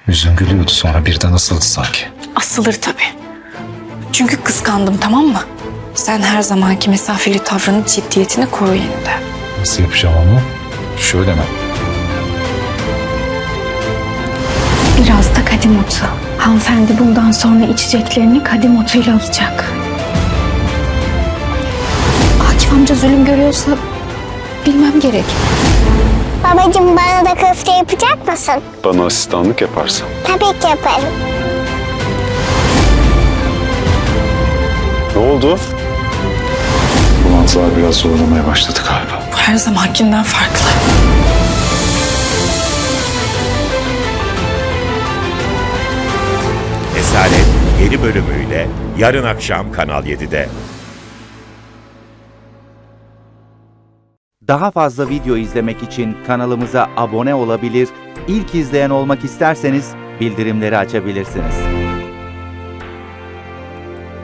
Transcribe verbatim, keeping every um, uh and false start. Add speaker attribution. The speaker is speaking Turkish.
Speaker 1: Yüzün gülüyordu, sonra birden asıldı sanki.
Speaker 2: Asılır tabii. Çünkü kıskandım, tamam mı? Sen her zamanki mesafeli tavrını, ciddiyetini koru yine de.
Speaker 1: Nasıl yapacağım onu? Şöyle mi?
Speaker 2: Biraz da kadim otu. Hanımefendi bundan sonra içeceklerini kadim otuyla alacak. Akif amca zulüm görüyorsa bilmem gerek.
Speaker 3: Babacığım bana da köfte yapacak mısın?
Speaker 4: Bana asistanlık yaparsan.
Speaker 3: Tabii ki yaparım.
Speaker 4: Ne oldu? Bulantılar biraz zorlamaya başladı galiba.
Speaker 2: Bu her zamankinden farklı.
Speaker 5: Esaret yeni bölümüyle yarın akşam Kanal yedide.
Speaker 6: Daha fazla video izlemek için kanalımıza abone olabilir, ilk izleyen olmak isterseniz bildirimleri açabilirsiniz.